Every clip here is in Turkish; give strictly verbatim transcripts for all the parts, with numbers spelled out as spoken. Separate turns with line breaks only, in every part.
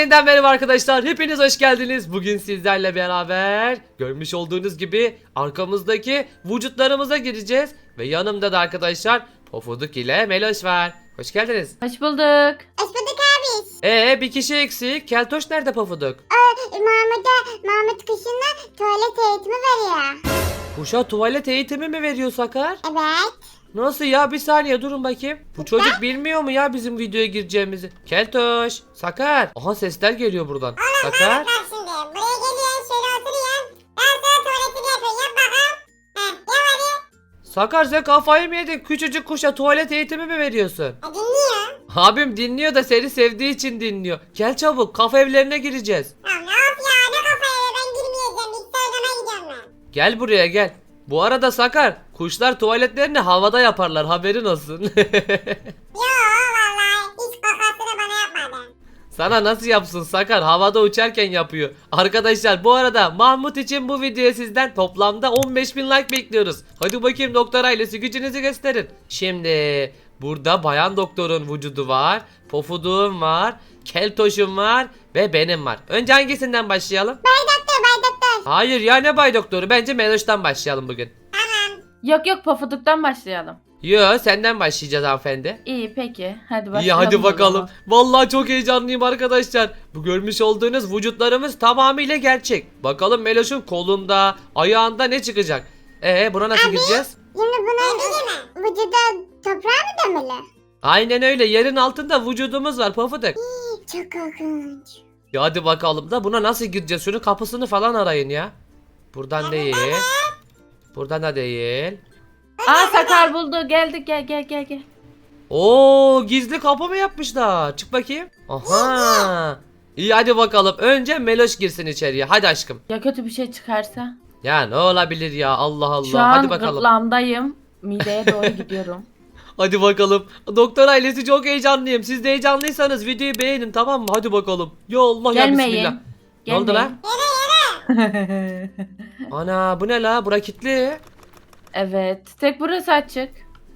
yeniden merhaba arkadaşlar. Hepiniz hoş geldiniz. Bugün sizlerle beraber görmüş olduğunuz gibi arkamızdaki vücutlarımıza gireceğiz. Ve yanımda da arkadaşlar Pofuduk ile Meloş var. Hoş geldiniz.
Hoş bulduk.
Hoş bulduk abi.
Ee bir kişi eksik. Keltoş nerede Pofuduk?
Mahmut'a, Mahmut kışında tuvalet eğitimi veriyor.
Kuşa tuvalet eğitimi mi veriyor Sakar?
Evet.
Nasıl ya? Bir saniye durun bakayım. Bu çocuk bilmiyor mu ya bizim videoya gireceğimizi? Keltoş, Sakar. Aha sesler geliyor buradan. Sakar.
Bak şimdi buraya geliyorsun şöyle oturuyorsun. Ben sana tuvaletini yapıyorum. Yap bakalım. Heh, yap hadi.
Sakar sen kafayı mı yedin? Küçücük kuşa tuvalet eğitimi mi veriyorsun?
E, dinliyor.
Abim dinliyor da seni sevdiği için dinliyor. Gel çabuk, kafa evlerine gireceğiz.
Ya ne yap ya ne kafaya ben girmeyeceğim. Bilgisayar odama gidiyorum ben.
Gel buraya gel. Bu arada Sakar, kuşlar tuvaletlerini havada yaparlar, haberin olsun.
Yo vallahi hiç kakasını bana yapmadı.
Sana nasıl yapsın Sakar? Havada uçarken yapıyor. Arkadaşlar bu arada Mahmut için bu videoya sizden toplamda on beş bin like bekliyoruz. Hadi bakayım doktor ailesi, gücünüzü gösterin. Şimdi burada bayan doktorun vücudu var. Pofuduğum var. Keltoşum var. Ve benim var. Önce hangisinden başlayalım?
Bay doktor bay doktor.
Hayır ya, ne bay doktoru? Bence Meloş'tan başlayalım bugün.
Tamam.
Yok yok Pofuduk'tan başlayalım.
Yo, senden başlayacağız hanımefendi.
İyi peki. Hadi başlayalım.
İyi hadi
o
bakalım.
zaman.
Vallahi çok heyecanlıyım arkadaşlar. Bu görmüş olduğunuz vücutlarımız tamamıyla gerçek. Bakalım Meloş'un kolunda, ayağında ne çıkacak? Ee buna nasıl gireceğiz?
Şimdi bunun vücuda toprağa mı gömülü?
Aynen öyle. Yerin altında vücudumuz var Pofuduk.
Çok korkunç.
Ya hadi bakalım da buna nasıl gireceğiz? Şunun kapısını falan arayın ya. Buradan değil. Buradan da değil.
Aa Sakar buldu. Geldik gel gel gel gel.
Oo, gizli kapı mı yapmışlar? Çık bakayım. Aha. İyi hadi bakalım. Önce Meloş girsin içeriye. Hadi aşkım.
Ya kötü bir şey çıkarsa?
Ya ne olabilir ya, Allah Allah.
Şu an
Hadi bakalım.
gırtlağımdayım. Mideye doğru gidiyorum.
Hadi bakalım. Doktor ailesi çok heyecanlıyım. Siz de heyecanlıysanız videoyu beğenin, tamam mı? Hadi bakalım. Ya Allah ya bismillah.
Gelmeyin.
Ne oldu lan?
Gelmeyin.
Ana bu ne la? Bura kilitli.
Evet. Tek burası açık.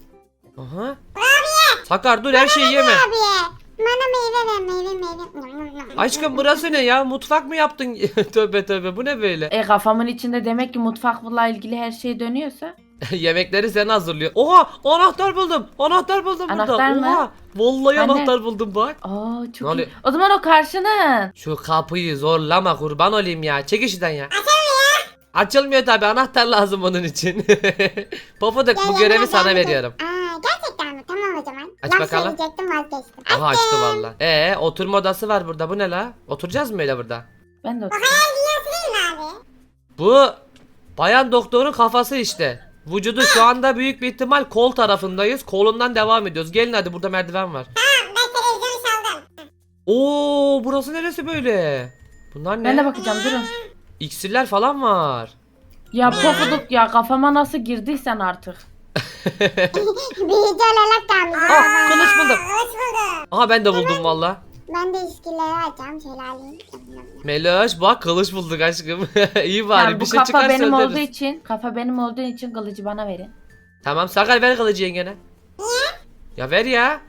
Aha. Sakar dur, her şeyi yeme.
Abi bana meyve ver meyve meyve.
Aşkım burası ne ya? Mutfak mı yaptın? Tövbe tövbe, bu ne böyle?
E kafamın içinde demek ki mutfakla ilgili her şey dönüyorsa.
Yemekleri sen hazırlıyor. Oha, anahtar buldum. Anahtar buldum burada.
Anahtar mı?
Oha. Vallahi
Anne.
anahtar buldum bak.
Aa
Ne
çok
oluyor?
iyi. O zaman o karşının.
Şu kapıyı zorlama, kurban olayım ya. Çek işten ya. Açılmıyor tabi, anahtar lazım onun için. Pofuduk, bu görevi sana veriyorum.
Aa gerçekten mi? Tamam o zaman.
Aç
Laf
bakalım.
söyleyecektim vazgeçtim.
Aha açtı valla. Ee oturma odası var burada, bu ne la? Oturacağız mı öyle burada?
Ben de
O
oturayım.
hayal dünyası değil mi abi?
Bu bayan doktorun kafası işte. Vücudu şu anda büyük bir ihtimal kol tarafındayız. Kolundan devam ediyoruz. Gelin hadi, burada merdiven var.
Tamam ben televizyonu çaldım.
Oo, burası neresi böyle? Bunlar
Ben de
ne?
bakacağım durun.
İksirler falan var.
Ya Pofuduk ya kafama nasıl girdiysen artık.
Büyücü olarak da
Ah, kılıç buldum.
Hoş buldum.
Aha ben de buldum valla.
Ben de ilişkileri açacağım. Şöyle alayım.
Meloş bak, kılıç bulduk aşkım. İyi bari,
Yani
bir
bu
şey
kafa
çıkarsa
benim
öldürürüz.
olduğu için, kafa benim olduğu için kılıcı bana verin.
Tamam Sakar, ver kılıcı yengene. Ya ver ya.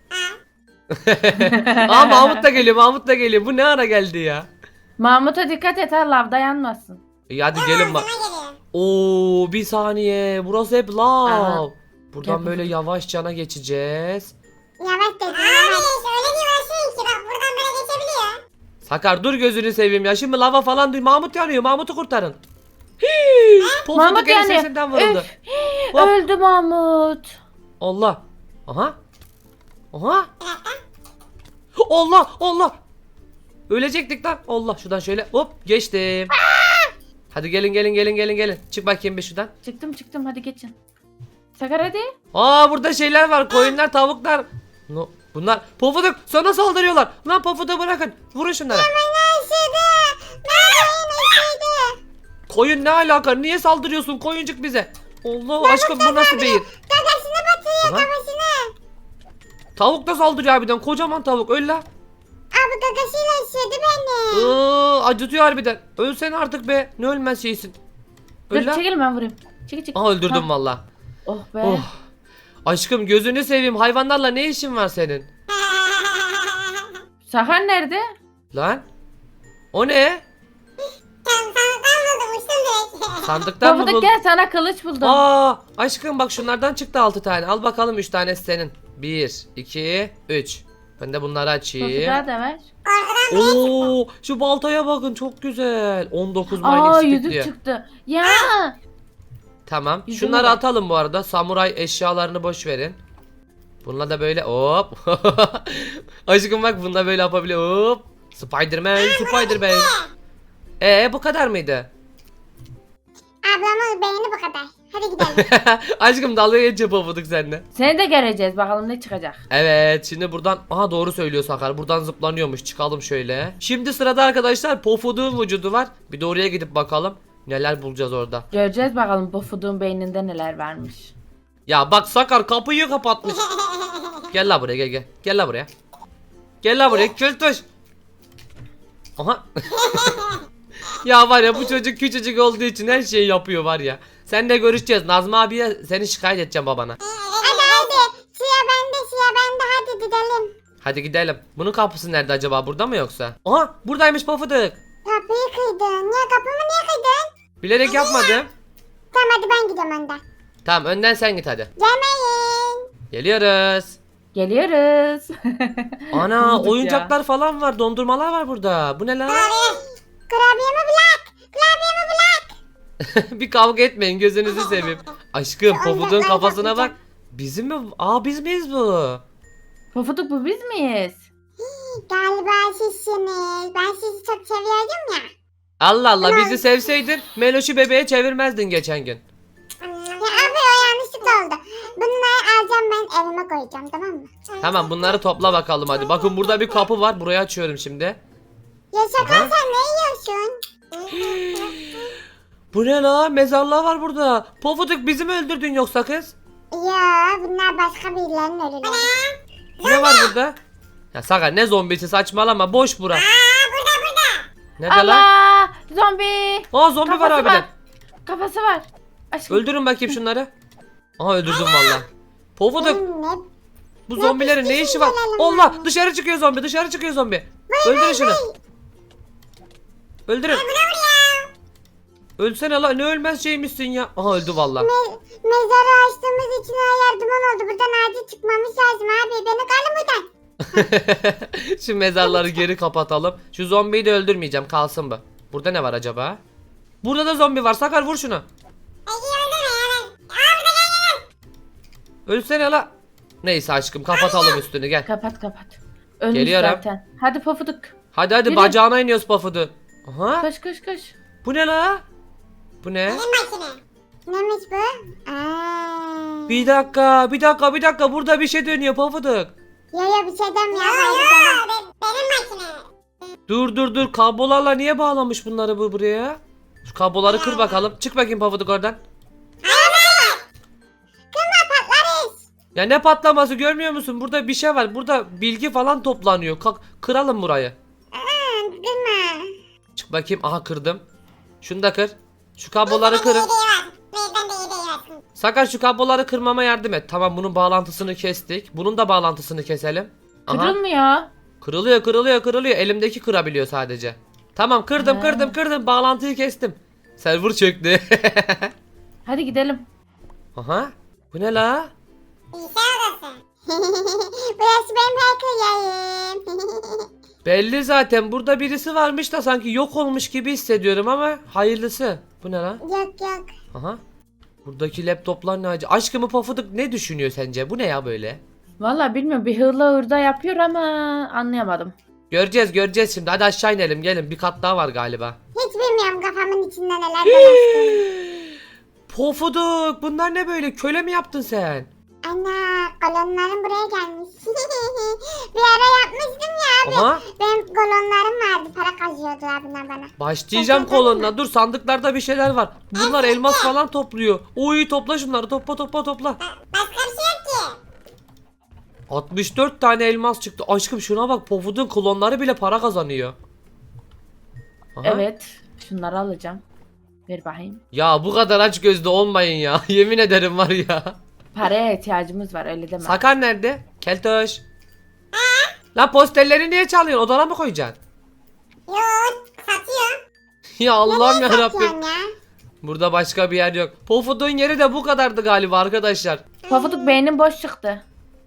Aa Mahmut da geliyor, Mahmut da geliyor. Bu ne ara geldi ya?
Mahmut'a dikkat et ha lav dayanmasın.
İyi hadi gelin bak. Oo bir saniye, burası hep lav.
Aha.
Buradan
Gel
böyle
bakalım.
yavaş cana geçeceğiz.
Yavaş dedim. Abi öyle bir uğraşıyorsun ki bak buradan böyle geçebiliyor.
Sakar dur, gözünü seveyim ya. Şimdi lava falan duy. Mahmut yanıyor. Mahmut'u kurtarın. Hii, Pofuduk
Mahmut
el
yanıyor.
sesinden vuruldu.
Üf,
Hop.
öldü Mahmut.
Allah. Aha. Aha. Allah Allah. Ölecektik lan. Allah, şuradan şöyle hop geçtim. Hadi gelin gelin gelin gelin gelin. Çık bakayım bir şuradan.
Çıktım çıktım hadi geçin. Sakar hadi.
Aa burada şeyler var. Koyunlar, tavuklar. No, bunlar Pofuduk sana saldırıyorlar. Lan Pofuduk'u bırakın. Vurun şunlara. Koyun ne alaka? Niye saldırıyorsun koyuncuk bize? Allah aşkım, bu nasıl beyin?
Gagasını batırıyor
Aha.
kafasını.
Tavuk da saldırıyor harbiden. Kocaman tavuk. Öl la.
Abi gagasıyla ısırdı beni.
Iıı, acıtıyor harbiden. Ölsen artık be. Ne ölmez şeysin.
Dur
Öl la.
çekil ben vurayım. Çekil çekil.
Aha öldürdüm
Ha.
valla.
Oh be.
Oh. Aşkım gözünü seveyim. Hayvanlarla ne işin var senin?
Sakar nerede?
Lan. O ne?
Tam sandıktan buldum uçtum direkt.
Sandıktan mı
Pofuduk
buldun?
gel sana kılıç buldum.
Aa, aşkım bak şunlardan çıktı altı tane. Al bakalım üç tanesi senin. bir, iki, üç. Ben de bunları açayım.
Pofuduk'a da ver.
Korkudan
Oo, şu baltaya bakın çok güzel. on dokuz
Aa
mining stick
yüzük
diyor.
çıktı. Ya.
Tamam.
Yüzüğe
Şunları
bak.
atalım bu arada. Samuray eşyalarını boş verin. Bununla da böyle hop. Aşkım bak bununla böyle yapabiliyor. Hop. Spiderman, Spiderman. Ee bu kadar mıydı?
ablamın beğeni bu kadar. Hadi gidelim.
Aşkım dalga geçe pofuduk seninle.
Seni de göreceğiz bakalım ne çıkacak.
Evet şimdi buradan aha doğru söylüyor Sakar, buradan zıplanıyormuş, çıkalım şöyle. Şimdi sırada arkadaşlar Pofuduk'un vücudu var. Bir de oraya gidip bakalım neler bulacağız orada.
Göreceğiz bakalım Pofuduk'un beyninde neler varmış.
Ya bak Sakar kapıyı kapatmış. Gel la buraya, gel gel. Gel la buraya. Gel la buraya kültüş. Aha. Ya var ya bu çocuk küçücük olduğu için her şeyi yapıyor var ya. Seninle görüşeceğiz. Nazmi abiye seni şikayet edeceğim babana.
Hadi hadi. Suya bende suya bende hadi gidelim.
Hadi gidelim. Bunun kapısı nerede acaba, burada mı yoksa? Aha buradaymış Pofuduk.
Kapıyı kıydın. Niye kapımı niye kıydın?
Bilerek yapmadım.
Tamam hadi ben gidiyorum önden.
Tamam önden sen git hadi.
Gelmeyin.
Geliyoruz.
Geliyoruz.
Ana
Bulduk ya.
oyuncaklar falan var, dondurmalar var burada. Bu ne lan?
Kurabiyemi bırak. Kurabiyemi bırak.
Bir kavga etmeyin gözünüzü seveyim. Aşkım Pofuduk'un
oyuncaklar
kafasına bak.
yapmayacağım.
Bizim mi? Aa biz miyiz bu?
Pofuduk bu biz miyiz?
Galiba sizsiniz. Ben sizi çok seviyordum ya.
Allah Allah, bizi sevseydin Meloş'u bebeğe çevirmezdin geçen gün.
Ya abi o yanlışlıkla oldu. Bunları alacağım ben evime koyacağım tamam mı?
Tamam bunları topla bakalım hadi. Bakın burada bir kapı var, burayı açıyorum şimdi.
Ya şaka
Aha.
sen ne yiyorsun?
Bu ne la? Mezarlığa var burada. Pofuduk bizi mi öldürdün yoksa kız?
Ya bunlar başka birilerinin ölüleri.
Ne var burada? Ya Sakar ne zombisi, saçmalama, boş bura.
Aa burada burada.
Nerede lan?
Allah! Zombi!
Aa zombi var
Kafası
harbiden.
var. Kafası var. Aşkım.
Öldürün bakayım şunları. Aha öldürdüm valla. Pofuduk
Benim ne?
bu zombilerin ne işi var? Allah dışarı çıkıyor zombi, dışarı çıkıyor zombi. Öldürün şunu. Öldürün. Ölsene la, ne ölmez şeymişsin ya. Aha öldü valla.
Me- mezarı açtığımız için her duman oldu. Buradan acil çıkmamız lazım abi. Beni kalın buradan.
Şu mezarları geri kapatalım. Şu zombiyi de öldürmeyeceğim, kalsın bu. Burada ne var acaba? Burada da zombi var. Sakar vur şunu. Ölsene la. Neyse aşkım kapatalım üstünü gel.
Kapat kapat. Ölmüş
Geliyorum.
zaten. Hadi Pofuduk.
Hadi hadi
Yürü.
bacağına iniyoruz Pofuduk. Aha.
Koş koş koş.
Bu ne la? Bu ne?
Benim makine. Neymiş bu? Aa.
Bir dakika, bir dakika, bir dakika. Burada bir şey dönüyor Pofuduk.
Yo yo bir şey demiyor. Yo yo benim makine.
Dur dur dur. Kablolarla niye bağlamış bunları bu buraya? Şu kabloları kır bakalım. Çık bakayım Pofuduk oradan.
Kırma patlarız.
Ya ne patlaması, görmüyor musun? Burada bir şey var. Burada bilgi falan toplanıyor. Kalk, kıralım burayı.
Aa, kırma.
Çık bakayım. Aha kırdım. Şunu da kır. Şu kabloları kırın.
Ben de iyi değil.
Sakar şu kabloları kırmama yardım et. Tamam bunun bağlantısını kestik. Bunun da bağlantısını keselim. Aha.
Kırılmıyor.
Kırılıyor kırılıyor kırılıyor. Elimdeki kırabiliyor sadece. Tamam kırdım
Ha.
kırdım kırdım. Bağlantıyı kestim. Server çöktü.
Hadi gidelim.
Aha. Bu ne la?
Bilgisayar odası. Burası benim hacker yayım.
Belli zaten. Burada birisi varmış da sanki yok olmuş gibi hissediyorum ama hayırlısı. Bu ne la?
yok yok.
Aha. Buradaki laptoplar ne acı? Aşkımı Pofuduk ne düşünüyor sence? Bu ne ya böyle?
Vallahi bilmiyorum bir hırla hırda yapıyor ama anlayamadım.
Göreceğiz göreceğiz şimdi. Hadi aşağı inelim gelin. Bir kat daha var galiba.
Hiç bilmiyorum kafamın içinde neler dolaştığını.
Pofuduk bunlar ne böyle? Köle mi yaptın sen?
Ana kolonlarım buraya gelmiş. Bir ara yapmıştım ya abi.
Aha.
Benim kolonlarım vardı. Para kazıyordular bunlar bana.
Başlayacağım kolonuna. Dur sandıklarda bir şeyler var. Bunlar elmas falan topluyor. Oy topla şunları. Topla topla topla.
Başka bir şey yok ki.
altmış dört tane elmas çıktı. Aşkım şuna bak. Pofuduk'un klonları bile para kazanıyor. Aha.
Evet. Şunları alacağım. Ver bakayım.
Ya bu kadar aç gözlü olmayın ya. Yemin ederim var ya.
Paraya ihtiyacımız var öyle deme.
Sakar nerede? Keltoş. Lan posterleri niye çalıyorsun? Odana mı koyacaksın? Ya Allah'ım ya
Satıyorsun
Rabbim.
ya.
Burada başka bir yer yok. Pofuduk'un yeri de bu kadardı galiba arkadaşlar.
Pofuduk beynin boş çıktı.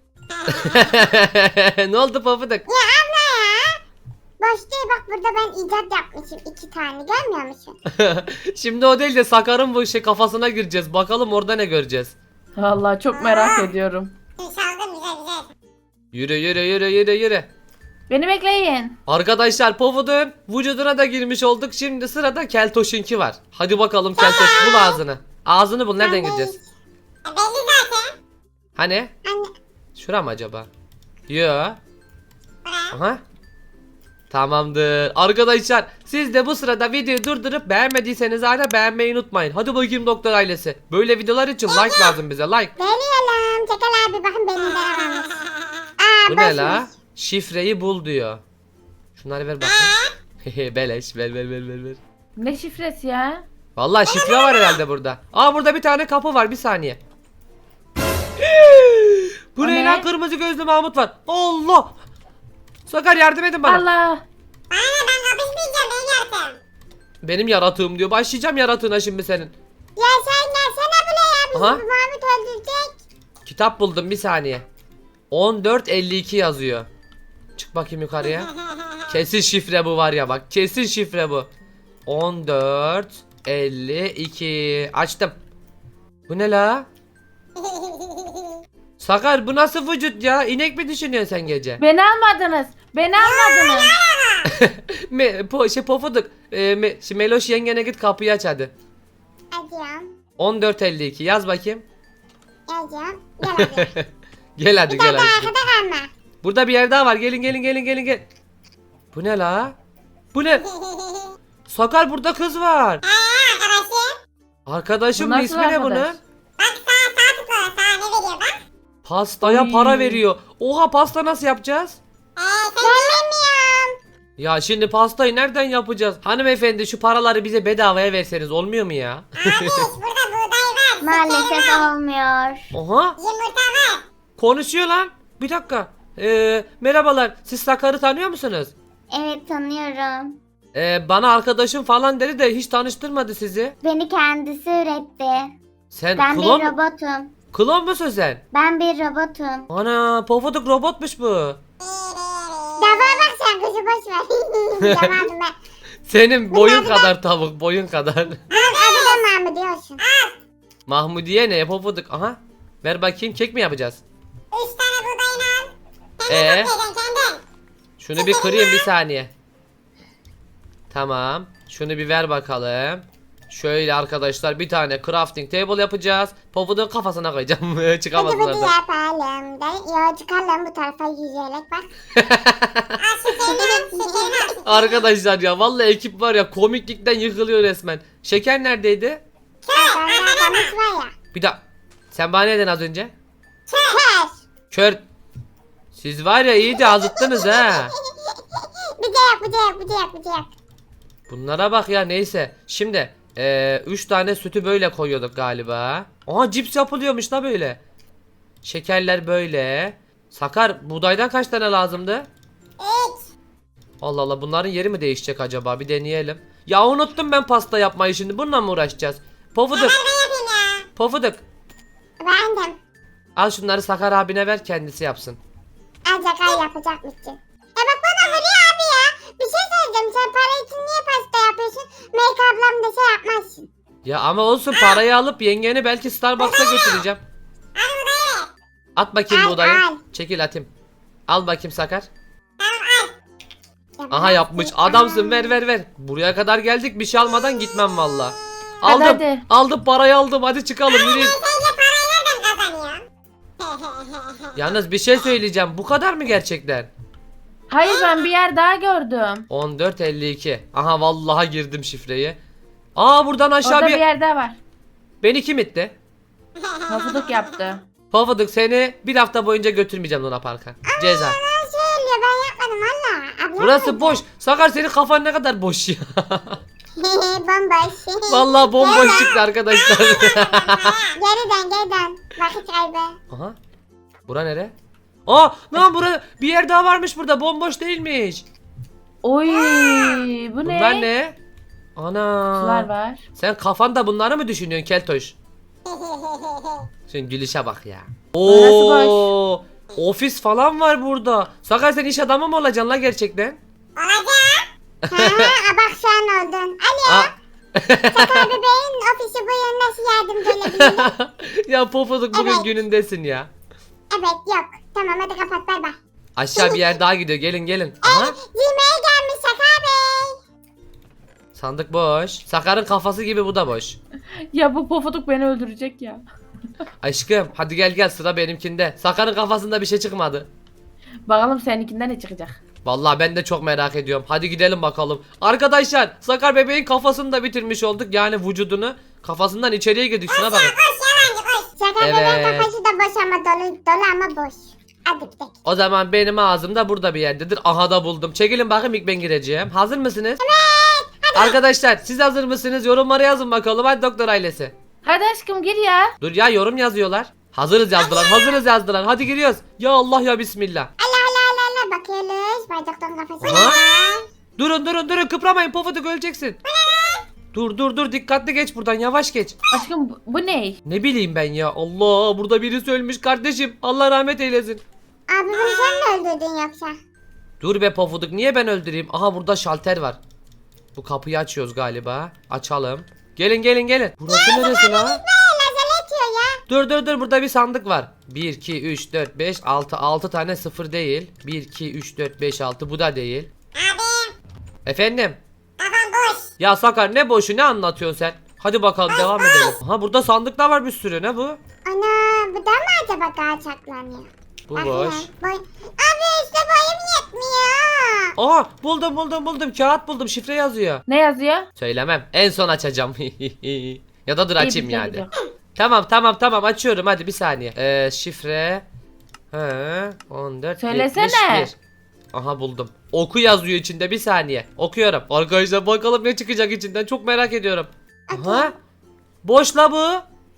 Ne oldu Pofuduk?
Ya abla ya. Boş değil bak burada ben icat yapmışım iki tane görmüyor musun?
Şimdi o değil de Sakar'ın bu şey kafasına gireceğiz. Bakalım orada ne göreceğiz.
Vallahi çok merak ediyorum.
Çaldım güzel güzel.
Yürü yürü yürü yürü yürü.
Beni bekleyin.
Arkadaşlar Pofuduk'un vücuduna da girmiş olduk. Şimdi sırada Keltoş'unki var. Hadi bakalım Keltoş bul ağzını. Ağzını bul, nereden gireceğiz?
E, belli zaten.
Hani?
Anne.
Şura mı acaba? Yo.
Buraya.
Aha. Tamamdır. Arkadaşlar siz de bu sırada videoyu durdurup beğenmediyseniz hala beğenmeyi unutmayın. Hadi bakayım doktor ailesi. Böyle videolar için like lazım bize, like.
Geliyorum. Çekil abi bakın benim berabermiş. Aa
Bu ne la?
boşmuş.
Şifreyi bul diyor. Şunları ver bakayım. Beleş ver ver ver ver ver.
Ne şifresi ya?
Vallahi şifre var herhalde burada. Aa burada bir tane kapı var, bir saniye. Bu
O
ne
ne?
lan, kırmızı gözlü Mahmut var. Allah. Sakar yardım edin bana.
Allah.
Bana ne, ben kapışmayacağım ben yaptım.
Benim yaratığım diyor. Başlayacağım yaratığına şimdi senin.
Ya sen gelsene buraya ya. Bizi
Aha.
bu Mahmut öldürecek.
Kitap buldum, bir saniye. on dört elli iki yazıyor. Çık bakayım yukarıya. Kesin şifre bu var ya, bak. Kesin şifre bu. on dört elli iki. Açtım. Bu ne la? Sakar bu nasıl vücut ya? İnek mi düşünüyorsun sen gece?
Beni almadınız. Beni almadınız.
Me, po, şey Pofuduk. E, me, şimdi Meloş yengene git kapıyı aç hadi.
Acıyorum.
on dört elli iki yaz bakayım.
Acıyorum. Gel abi.
Gel hadi
Bir
gel
tane
hadi.
arkada kalma.
Burada bir yer daha var. Gelin gelin gelin gelin gel. Bu ne la? Bu ne? Sakar burada kız var.
Arkadaşım.
Arkadaşım
Bu
mı,
nasıl
ismi ne
arkadaş?
bunun?
Bak sağ sağ tıkla. Sağ ne veriyor bak.
Pastaya
Oy.
para veriyor. Oha, pasta nasıl yapacağız?
Eee sen bilmiyorum.
Ya şimdi pastayı nereden yapacağız? Hanımefendi şu paraları bize bedavaya verseniz olmuyor mu ya?
Abi burada buğday var.
Maalesef olmuyor.
Oha,
Yumurta var.
konuşuyor lan. Bir dakika. Ee, merhabalar, siz Sakar'ı tanıyor musunuz?
Evet, tanıyorum.
Ee, bana arkadaşım falan dedi de hiç tanıştırmadı sizi.
Beni kendisi üretti.
Sen
Ben
klon,
bir robotum.
klon musun sen?
Ben bir robotum.
Ana, Pofuduk robotmuş bu.
Dava bak sen kızı boş ver. Yapamadım ben.
Senin boyun
Bunlar da-
kadar tavuk, boyun kadar.
Abi adı da Mahmut diyorsun.
Mahmudiye ne Pofuduk? Aha. Ver bakayım, kek mi yapacağız?
Üç tane buğdayını al. Kendin
Ee?
toplayacaksın kendin.
Şunu bir kırayım bir saniye. Tamam. Şunu bir ver bakalım. Şöyle arkadaşlar bir tane crafting table yapacağız. Pofuduk'un kafasına koyacağım. Çıkamaz
Hadi hadi
oradan.
yapalım. Da, ya çıkalım bu tarafa yüzerek bak. Al şekerini al. Şekerini al.
Arkadaşlar ya vallahi ekip var ya, komiklikten yıkılıyor resmen. Şeker neredeydi?
Benden kamış var ya.
Bir daha. Sen bana ne dedin az önce?
Kör.
Kör. Siz var ya iyice azıttınız ha.
Bir de yap bir de yap bir de yap bir de yap.
Bunlara bak ya, neyse. Şimdi eee üç tane sütü böyle koyuyorduk galiba. Aha, cips yapılıyormuş da böyle. Şekerler böyle. Sakar, buğdaydan kaç tane lazımdı?
Üç.
Allah Allah, bunların yeri mi değişecek acaba? Bir deneyelim. Ya unuttum ben pasta yapmayı, şimdi bununla mı uğraşacağız? Pofuduk,
Ben yapayım ya.
Pofuduk.
Beğendim.
Al şunları Sakar abine ver, kendisi yapsın.
Ancak ay yapacakmışsın. E bak bana vuruyor abi ya. Bir şey söyleyeceğim. Sen para için niye pasta yapıyorsun? Make ablam da şey yapmazsın.
Ya ama olsun, parayı alıp yengeni belki Starbucks'a götüreceğim.
Al buğdayı.
At bakayım
Al,
buğdayı.
al.
Çekil atayım. Al bakayım Sakar.
Tamam al.
Aha, yapmış. Adamsın, ver ver ver. Buraya kadar geldik, bir şey almadan gitmem valla. Aldım.
Hadi, hadi.
Aldım, parayı aldım. Hadi çıkalım, yürüyün.
Sen de parayı nereden kazanıyorsun?
Yalnız bir şey söyleyeceğim. Bu kadar mı gerçekten?
Hayır, ben bir yer daha gördüm.
on dört elli iki. Aha, vallahi girdim şifreyi. Aa, buradan aşağı
Orada
bir...
bir yer daha var.
Beni kim itti?
Pofuduk yaptı.
Pofuduk, seni bir hafta boyunca götürmeyeceğim Luna Park'a. Ceza.
Ben söylüyor ben yapmadım valla. Ablam
Burası boş. Sakar, senin kafan ne kadar boş ya.
Bomboş.
Vallahi bomboş çıktı arkadaşlar.
Geri dön geri dön. Vakit kaybı.
Aha. Bura nere? Aa, lan bura bir yer daha varmış burada. Bomboş değilmiş.
Oy, bu ne?
Bunlar ne?
Kutular
Ana.
var.
Sen kafanda bunları mı düşünüyorsun Keltoş? Sen gülüşe bak ya.
Orası
Oo. Ofis falan var burada. Sakar sen iş adamı mı olacaksın la gerçekten?
Ha, bak şu an oldun. Alo.
Aa.
Sakar bebeğin ofisi bu yön nasıl yardımcı olabilirim?
Ya Pofuduk bugün
Evet.
günündesin ya.
Evet yok. Tamam hadi kapat bay bay.
Aşağı bir yer daha gidiyor. Gelin gelin. Aha.
Yemeğe gelmiş Sakar Bey.
Sandık boş. Sakar'ın kafası gibi bu da boş.
Ya bu pofuduk beni öldürecek ya.
Aşkım hadi gel gel sıra benimkinde. Sakar'ın kafasında bir şey çıkmadı.
Bakalım seninkinden ne çıkacak.
Vallahi ben de çok merak ediyorum. Hadi gidelim bakalım. Arkadaşlar Sakar bebeğin kafasını da bitirmiş olduk. Yani vücudunu. Kafasından içeriye girdik. Şuna bakın.
Sakar
Evet.
bebeğin kafası da boş ama dolu, dolu ama boş. Hadi gidelim.
O zaman benim ağzım da burada bir yerdedir. Aha da buldum. Çekilin bakayım ilk ben gireceğim. Hazır mısınız? Evet. Arkadaşlar siz hazır mısınız? Yorumlara yazın bakalım. Hadi doktor ailesi.
Hadi aşkım gir ya.
Dur ya yorum yazıyorlar. Hazırız yazdılar. Hazırız yazdılar. Hadi giriyoruz. Ya Allah ya Bismillah.
Allah Allah Allah Allah bakıyoruz. Bay doktorun kafası
Aha.
var.
Durun durun durun kıpramayın Pofuduk öleceksin. Dur dur dur dikkatli geç buradan yavaş geç.
Aşkım bu, bu ne?
Ne bileyim ben ya Allah burada birisi ölmüş kardeşim. Allah rahmet eylesin.
Abi bunu sen mi öldürdün yoksa?
Dur be Pofuduk niye ben öldüreyim? Aha burada şalter var. Bu kapıyı açıyoruz galiba. Açalım. Gelin gelin gelin. Burası neresi la?
Ne lazer etiyor ya?
Dur dur dur burada bir sandık var. bir, iki, üç, dört, beş, altı. altı tane sıfır değil. bir, iki, üç, dört, beş, altı bu da değil.
Abi
Efendim?
kafam boş.
Ya Sakar ne boşu ne anlatıyorsun sen? Hadi bakalım devam edelim. Aha burada sandıklar var bir sürü ne bu?
Ana bu da mı acaba daha çaklanıyor?
Bu
Bakayım.
boş.
Boy... Abi işte boyum yetmiyor.
Aha buldum buldum buldum kağıt buldum şifre yazıyor.
Ne yazıyor?
Söylemem en son açacağım. Ya da dur açayım
İyi, bir şey
yani.
gidiyor.
Tamam tamam tamam açıyorum hadi bir saniye. Ee, şifre. He, on dört
Söylesene.
yetmiş bir. Aha buldum. Oku yazıyor içinde bir saniye. Okuyorum. Arkadaşlar bakalım ne çıkacak içinden çok merak ediyorum. Aha. Boş la bu.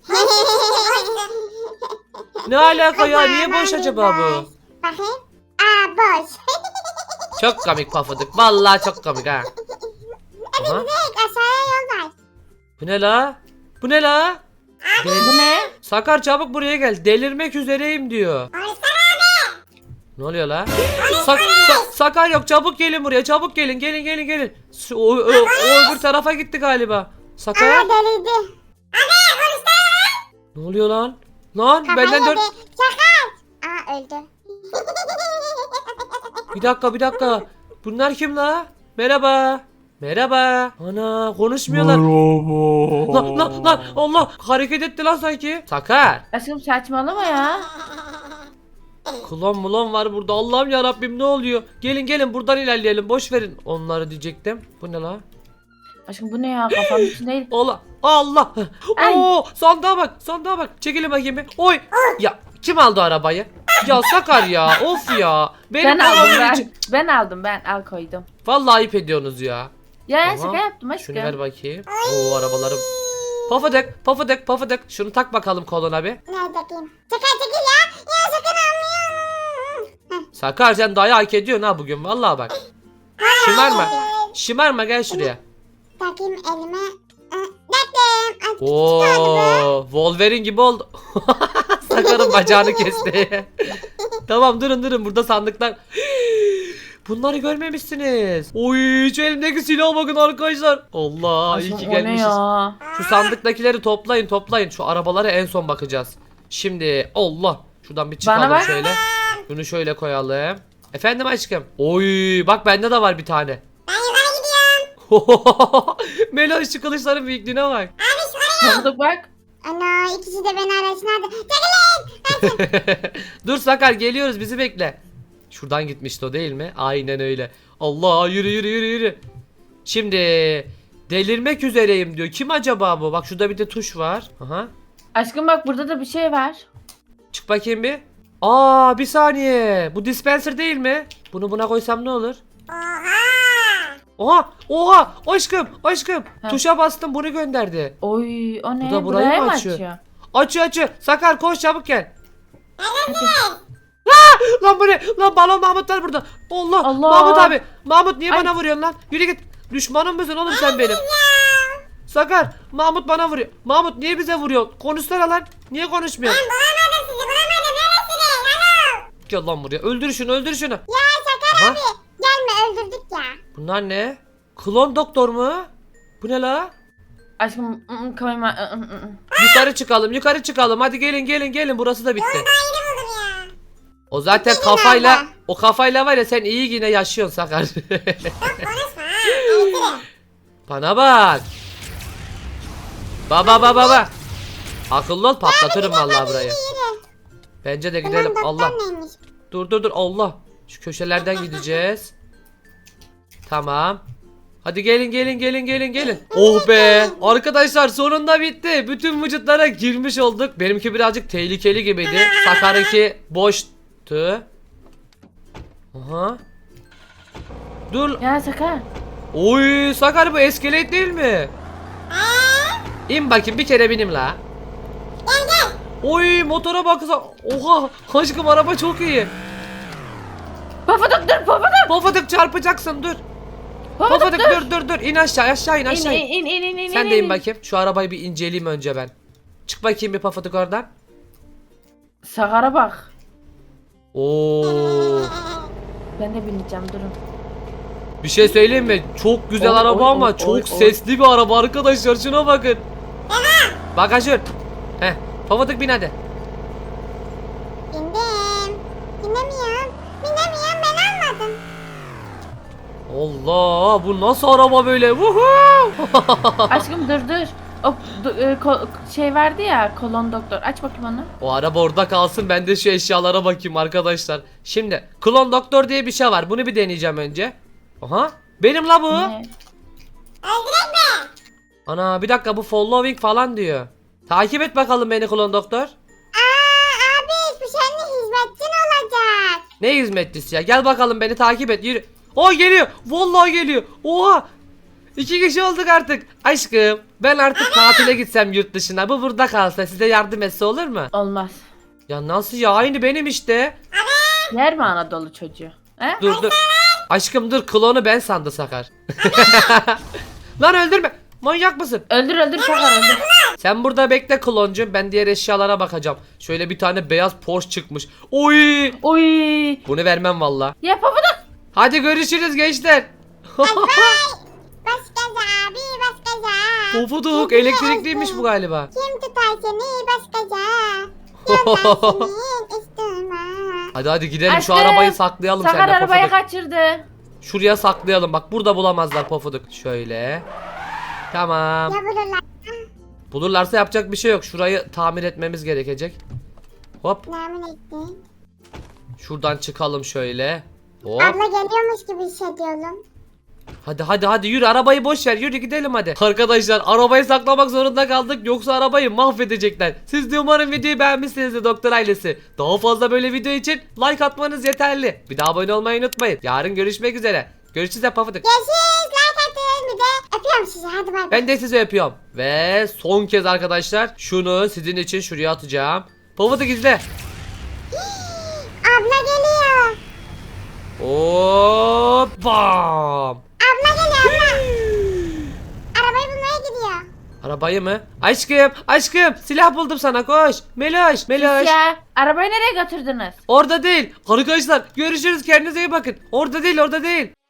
Ne alaka ya niye boş acaba bu?
Bakayım. Aa boş.
Çok komik Pafuduk. Vallahi çok komik ha. Aha.
Direkt aşağıya yol var.
Bu ne la? Bu ne la? Del-
Bu ne?
Sakar çabuk buraya gel. Delirmek üzereyim diyor. Ne oluyor la? Sak- Sa- Sakar yok çabuk gelin buraya çabuk gelin gelin gelin gelin. Şu- O, o, o öbür tarafa gitti galiba.
Aa
Sakar
delirdi.
ne oluyor lan? Lan
Kafayı
benden dört...
yedi. Sakar. Aa öldü.
Bir dakika bir dakika. Bunlar kim la? Merhaba. Merhaba. Ana konuşmuyorlar. Lan lan lan Allah hareket etti lan sanki. Sakar.
Aşkım saçmalama ya.
Klon mulon var burada. Allah'ım ya Rabbim ne oluyor? Gelin gelin buradan ilerleyelim. Boş verin onları diyecektim. Bu ne la?
Aşkım bu ne ya kafanın içinde.
Allah. Allah.
Ay.
Oo sandığa bak. Sandığa bak. Çekilin bakayım bir. Oy. Ya kim aldı arabayı? Ya Sakar ya. Of ya. Benim
Ben aldım
arabamın
ben.
içi-
Ben aldım ben al koydum.
Vallahi ayıp ediyorsunuz ya.
Ya
Aha,
şaka yaptım
Şunu
aşkım.
ver bakayım. Oo arabalarım. Pofuduk, pofuduk, pofuduk. Şunu tak bakalım koluna bir.
Nerede bakayım? Sakar çekil ya. Ya sakın almıyor.
Sakar sen dayağı hak ediyorsun ha bugün. Vallahi bak. Şımarma. Şımarma gel şuraya.
Takayım elime. Aa, Taktım. Ay,
Oo, Wolverine gibi oldu. Sakarın bacağını kesti. Tamam durun durun burada sandıklar. Bunları görmemişsiniz. Oy şu elimdeki silaha bakın arkadaşlar. Allah iyi
Aşkım
ki
o ne
gelmişiz.
ya?
Şu sandıktakileri toplayın toplayın. Şu arabalara en son bakacağız. Şimdi Allah. Şuradan bir çıkalım
Bana bak.
şöyle. Şunu şöyle koyalım. Efendim aşkım. Oy bak bende de var bir tane.
Ben yukarı gidiyorum.
Meloş şu kılıçların büyüklüğüne bak.
Pofuduk bak.
Ana ikisi de beni arasına aldı. Çekilin.
Dur Sakar geliyoruz bizi bekle. Şuradan gitmişti o değil mi? Aynen öyle. Allah yürü yürü yürü yürü. Şimdi delirmek üzereyim diyor. Kim acaba bu? Bak şurada bir de tuş var. Aha.
Aşkım bak burada da bir şey var.
Çık bakayım bir. Aa bir saniye. Bu dispenser değil mi? Bunu buna koysam ne olur?
Oha.
Oha oha aşkım aşkım.
Ha.
Tuşa bastım bunu gönderdi.
Oy o ne?
Bu da burayı
Buraya
mı
mı
açıyor?
açıyor?
Açıyor açıyor. Sakar koş çabuk gel. Lan bu ne? Lan balon Mahmut var burada. Allah.
Allah.
Mahmut abi. Mahmut niye
Ay.
bana vuruyorsun lan? Yürü git. Düşmanım mısın oğlum sen benim? Sakar, Mahmut bana vuruyor. Mahmut niye bize vuruyor? Konuşsana lan. Niye konuşmuyor?
Ben bulamadım sizi bulamadım. Neresiniz? Alo.
Gel lan buraya. Öldür şunu, öldür şunu.
Ya Sakar
Aha.
abi. Gelme öldürdük ya.
Bunlar ne? Klon doktor mu? Bu ne la?
Aşkım ı, ı, koyma. ı, ı, ı.
Yukarı çıkalım, yukarı çıkalım. Hadi gelin, gelin, gelin. Burası da bitti.
Yeni buldum ya.
O zaten
Gelin
kafayla,
abla.
o kafayla var ya sen iyi yine yaşıyorsun Sakar.
Konuşma ha. Ayıtırım.
Bana bak. Baba baba baba. Akıllı ol, patlatırım vallahi burayı.
Yürü.
Bence de
Ulan
gidelim.
doktor
Allah.
neymiş?
Dur dur dur Allah. Şu köşelerden gideceğiz. Tamam. Hadi gelin gelin gelin gelin gelin. Oh be. Arkadaşlar sonunda bitti. Bütün vücutlara girmiş olduk. Benimki birazcık tehlikeli gibiydi. Sakar'ınki boştu. Aha. Dur.
Ya Sakar.
Oy Sakar bu iskelet değil mi? İn bakayım bir kere binim la. Oy motora baksa. Oha aşkım araba çok iyi.
Pofuduk dur pofuduk.
Pofuduk çarpacaksın dur.
Pofuduk
Pofuduk
dur.
dur dur dur in aşağı aşağı in
İn
aşağı in.
in in in in.
Sen
in,
de in
in.
bakayım. Şu arabayı bir inceleyeyim önce ben. Çık bakayım bir Pofuduk oradan.
Sakar'a bak.
Oo.
Ben de bineceğim durun.
Bir şey söyleyeyim mi? Çok güzel
Oy,
araba
oy,
ama
oy,
çok
oy, oy.
sesli bir araba arkadaşlar. Şuna bakın. Bagajör. Heh. Pofuduk bin hadi.
Bindim. Binemiyorum. Binemiyorum ben almadım.
Allah bu nasıl araba böyle? Woohoo!
Aşkım dur dur. O du- e, ko- şey verdi ya kolon doktor. Aç bakayım onu.
O araba orada kalsın ben de şu eşyalara bakayım arkadaşlar. Şimdi klon doktor diye bir şey var. Bunu bir deneyeceğim önce. Aha. Benim la bu.
Ne?
Ana bir dakika bu following falan diyor. Takip et bakalım beni klon doktor.
Aa abi bu senin hizmetçin olacak.
Ne hizmetlisi ya? Gel bakalım beni takip et yürü. O geliyor. Vallahi geliyor. Oha. İki kişi olduk artık. Aşkım ben artık tatile gitsem yurt dışına. Bu burada kalsa size yardım etse olur mu?
Olmaz.
Ya nasıl ya? Aynı benim işte.
Yer mi Anadolu çocuğu? He?
Dur dur. Aşkım dur klonu ben sandı Sakar. Lan öldürme. Manyak mısın?
Öldür öldür Sakar öldür.
Sen burada bekle kloncum. Ben diğer eşyalara bakacağım. Şöyle bir tane beyaz Porsche çıkmış. Oy!
Oy.
Bunu vermem valla.
Ya pofuduk.
Hadi görüşürüz gençler.
Baş gaza abi baş gaza.
Pofuduk elektrikliymiş bu galiba.
Kim tutar seni baş gaza? Yandan senin üstüme.
Hadi hadi gidelim şu
Aşkım,
arabayı saklayalım
Sakar
seninle
arabayı
Pofuduk.
kaçırdı.
Şuraya saklayalım bak burada bulamazlar Pofuduk. Şöyle. Tamam.
Ya bulurlar.
Bulurlarsa yapacak bir şey yok. Şurayı tamir etmemiz gerekecek. Hop.
Namin ettin.
Şuradan çıkalım şöyle. Hop.
Abla geliyormuş gibi hissediyorum.
Hadi hadi hadi yürü arabayı boş ver yürü gidelim hadi. Arkadaşlar arabayı saklamak zorunda kaldık yoksa arabayı mahvedecekler. Siz de umarım videoyu beğenmişsinizdir doktor ailesi. Daha fazla böyle video için like atmanız yeterli. Bir daha abone olmayı unutmayın. Yarın görüşmek üzere. Görüşürüz hep Pofuduk.
Görüşürüz. Like atın. Bir de öpüyorum sizi. Hadi bay bay.
Ben de sizi öpüyorum. Ve son kez arkadaşlar şunu sizin için şuraya atacağım. Pofuduk izle.
Abla geliyor.
Hop bam.
Abla geliyor abla. Arabayı bulmaya gidiyor.
Arabayı mı? Aşkım aşkım silah buldum sana koş. Meloş Meloş.
Ya arabayı nereye götürdünüz?
Orada değil. Arkadaşlar görüşürüz kendinize iyi bakın. Orada değil orada değil.